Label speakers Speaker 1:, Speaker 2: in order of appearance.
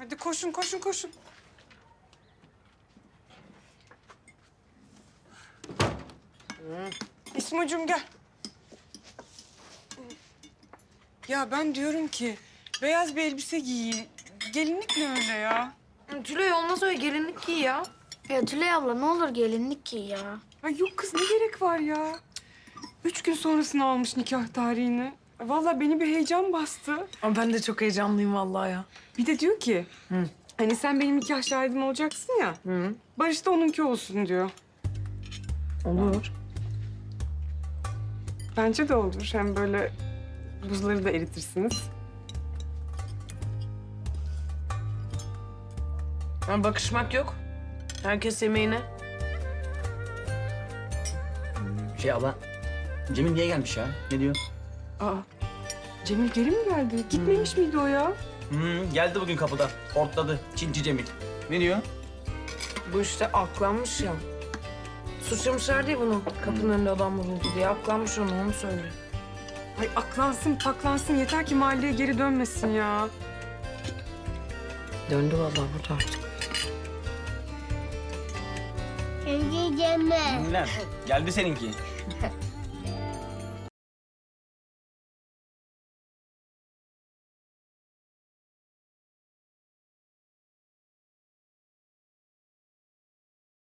Speaker 1: Hadi koşun, koşun, koşun. İsmocuğum gel. Ya ben diyorum ki beyaz bir elbise giyin. Gelinlik ne öyle ya?
Speaker 2: Tülay olmaz öyle gelinlik giy ya.
Speaker 3: Ya Tülay abla ne olur gelinlik giy ya.
Speaker 1: Ay yok kız ne gerek var ya? 3 gün sonrasını almış nikah tarihini. Vallahi beni bir heyecan bastı.
Speaker 2: Ama ben de çok heyecanlıyım vallahi ya.
Speaker 1: Bir de diyor ki, hani sen benim nikah şahidim olacaksın ya. Barış da onunki olsun diyor.
Speaker 2: Olur.
Speaker 1: Bence de olur. Hem böyle buzları da eritirsiniz.
Speaker 2: Ama bakışmak yok. Herkes yemeğine.
Speaker 4: Abla, Cemil niye gelmiş ya? Ne diyor?
Speaker 1: Aa, Cemil geri mi geldi? Gitmemiş miydi o ya?
Speaker 4: Geldi bugün kapıda. Hortladı. Çinci Cemil. Ne diyor?
Speaker 2: Bu işte aklanmış ya. Suçlamışlar diye bunu kapının önünde adam vuruldu diye. Aklanmış onu söylüyor.
Speaker 1: Ay aklansın paklansın yeter ki mahalleye geri dönmesin ya.
Speaker 2: Döndü vallahi burada artık.
Speaker 3: Sevgili Cemre.
Speaker 4: Lan, geldi seninki.